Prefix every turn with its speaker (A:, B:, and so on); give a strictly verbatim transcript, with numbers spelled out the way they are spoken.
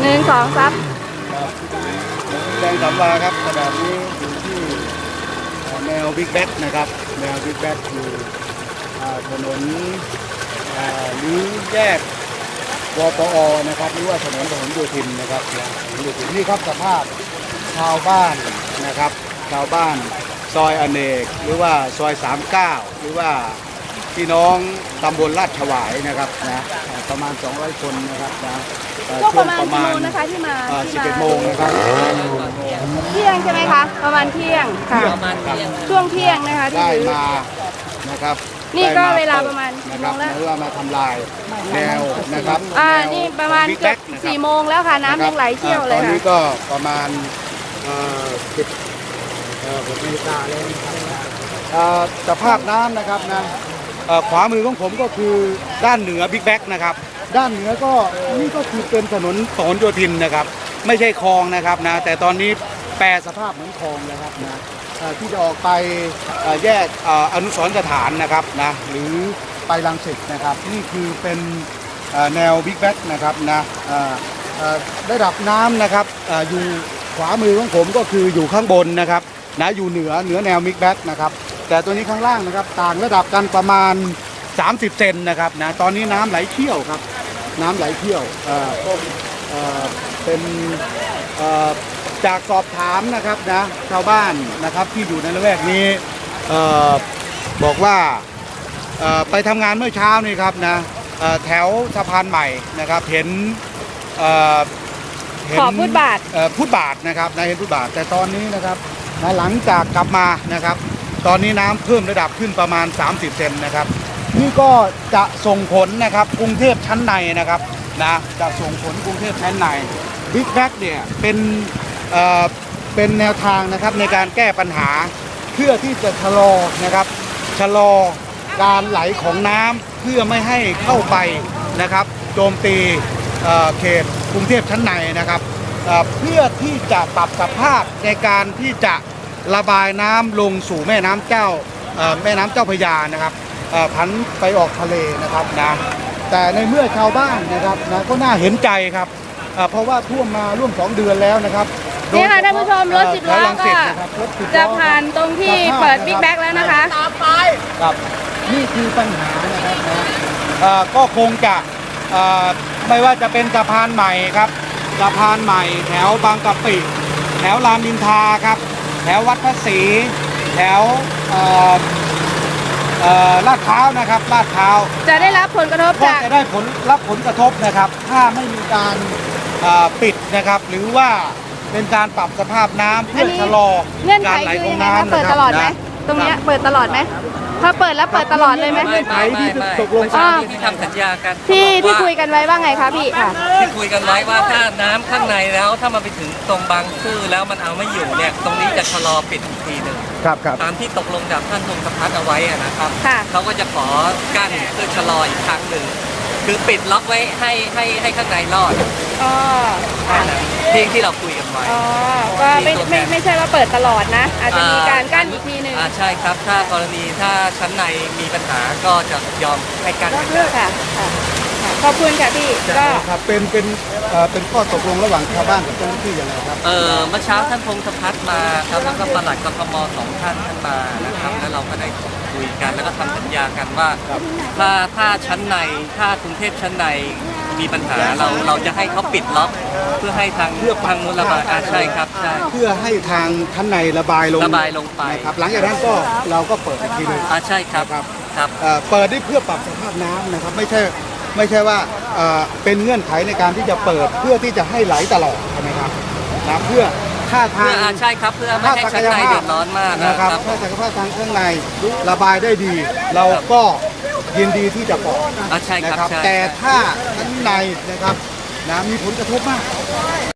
A: หนึ่งสองซับ
B: แดงสำวาครับขณะนี้อยู่ที่แนวบิ๊กแบ็กนะครับแนวบิ๊กแบ็กอยู่ถนนหรือแยกวปอนะครับหรือว่าถนนถนนโยธินนะครับถนนโยธินนี่ครับสภาพชาวบ้านนะครับชาวบ้านซอยอเนกหรือว่าซอยสามเก้าหรือว่าพี่น้องตำบลลาดถวายนะครับนะประมาณสองร้อยคนนะครับนะ
A: ก็ประมาณกี่โมงนะคะที่มา
B: สิบเอ็ดโมงนะครับ
A: เที่ยงใช่ไหมคะประมาณเที่ยงค่ะช่วงเที่ยงนะคะ
B: ได้มานะครับ
A: นี่ก็เวลาประมาณ
B: กี่โมงแล้วหรือว่ามาทำลายแนวนะครับ
A: อ่านี่ประมาณเกือบสี่โมงแล้วค่ะน้ำยังไหลเชี่ยวเลยค่ะ
B: ตอนนี้ก็ประมาณสิบหกนาฬิกาแล้วนะครับสภาพน้ำนะครับนะขวามือของผมก็คือด้านเหนือบิ๊กแบ็กนะครับด้านเหนือก็นี่ก็คือเป็นถนนถนนโยธินนะครับไม่ใช่คลองนะครับนะแต่ตอนนี้แปรสภาพเหมือนคลองนะครับนะที่จะออกไปแยกอนุสรณ์สถานนะครับนะหรือไปรังสิตนะครับนี่คือเป็นแนวบิ๊กแบ็กนะครับนะระดับน้ำนะครับอยู่ขวามือของผมก็คืออยู่ข้างบนนะครับนะอยู่เหนือเหนือแนวบิ๊กแบ็กนะครับแต่ตัวนี้ข้างล่างนะครับต่างระดับกันประมาณสามสิบเซนนะครับนะตอนนี้น้ำไหลเชี่ยวครับน้ำไหลเชี่ยวเป็นจากสอบถามนะครับนะชาวบ้านนะครับที่อยู่ในละแวกนี้บอกว่าไปทำงานเมื่อเช้านี่ครับนะแถวสะพานใหม่นะครับเห็น
A: ขอพุทธบาท
B: พุทธบาทนะครับนะเห็นพุทธบาทแต่ตอนนี้นะครับนะหลังจากกลับมานะครับตอนนี้น้ำเพิ่มระดับขึ้นประมาณสามสิบเซนนะครับนี่ก็จะส่งผลนะครับกรุงเทพชั้นในนะครับนะจะส่งผลกรุงเทพชั้นในบิ๊กแบ็กเนี่ยเป็นเอ่อเป็นแนวทางนะครับในการแก้ปัญหาเพื่อที่จะชะลอนะครับชะลอการไหลของน้ำเพื่อไม่ให้เข้าไปนะครับโจมตีเขตกรุงเทพชั้นในนะครับเพื่อที่จะปรับสภาพในการที่จะระบายน้ำลงสู่แม่น้ำเจ้าแม่น้ำเจ้าพระยานะครับพันไปออกทะเลนะครับนะแต่ในเมื่อชาวบ้านนะครับนะก็น่าเห็นใจครับเพราะว่าท่วมมาร่วมสองเดือนแล้วนะครับ
A: นี่ค่ะท่านผู้ชมรถสิบล้อก็จะผ่านตรงที่เปิดบิ๊กแบ็กแล้วนะคะ
B: ครับนี่คือปัญหานะครับนะก็คงจะไม่ว่าจะเป็นสะพานใหม่ครับสะพานใหม่แถวบางกะปิแถวรามอินทราครับแถววัดพระศรีแถวลาดพร้าวนะครับลาดพร้าว
A: จะได้รับผลกระทบจาก
B: จะได้ผลรับผลกระทบนะครับถ้าไม่มีการปิดนะครับหรือว่าเป็นการปรับสภาพน้ำเพื่อชะลอการไหลของน้ำ
A: เปิดตลอดไหมตรงนี้เปิดตลอดไหมถ้าเปิดแล้วเปิดตลอดเลยไหม
C: ไม่ไม่ไม่ตกลงที่ทำสัญญากัน
A: ที่ที่คุยกันไว้ว่าไงคะพี่ค่ะ
C: ที่คุยกันไว้ว่าถ้าน้ำข้างในแล้วถ้ามันไปถึงตรงบางซื่อแล้วมันเอาไม่อยู่เนี่ยตรงนี้จะชะลอปิดอีกทีหนึ่ง
B: ครับครับ
C: ตามที่ตกลงจากท่านพงศพัฒน์เอาไว้นะครับเขาก็จะขอกั้นเพื่อชะลออีกครั้งหนึ่งคือปิดล็อกไว้ให้ให้ให้ข้างในรอด
A: อ๋อ
C: ที่ที่เราคุยกันไว้
A: อ๋อก็ไม่ไม่ไม่ใช่ว่าเปิดตลอดนะอาจจะมีการกั้นอีกทีหนึ่ง
C: อ่าใช่ครับถ้ากรณีถ้าชั้นในมีปัญหาก็จะยอมให้กั้น
A: ค่ะขอบคุณค่ะพี่ก็
B: ครับเป็นเป็นเป็นข้อตกลงระหว่างชาวบ้านกับเจ้าหน้าที่อย่างไรครับ
C: เออเมื่อเช้าท่านพงศพัฒน์มาครับแล้วก็ปลัดกทมสองท่านท่านมานะครับแล้วเราก็ได้คุยกันแล้วก็ทำสัญญากันว่าถ้าถ้าชั้นในถ้ากรุงเทพชั้นในมีปัญหาเราเราจะให้เขาปิดล็อกเพื่อให้ทางเลือกทางนู้นระบายอ่าใช่ครับใช่
B: เพื่อให้ทางชั้นในระบายลง
C: ระบายลงไป
B: ครับหลังจากนั้นก็เราก็เปิดอีกทีนึง
C: อ่าใช่ครับ
B: ครับ
C: ครับ
B: เปิดได้เพื่อปรับสภาพน้ำนะครับไม่ใช่ไม่ใช่ว่าเป็นเงื่อนไขในการที่จะเปิดเพื่อที่จะให้ไหลตลอดใช่ไหมครับนะเพื่อถ้าทาง
C: ใช่ครับเพื่อไม่ให้ชั้นในเดือดร้อนมาก
B: นะครับถ้าศักยภาพทางข้างในระบายได้ดีเราก็ยินดีที่จะปล่อย
C: นะครับ
B: แต่ถ้าชั้นในนะครับนะมีผลกระทบมาก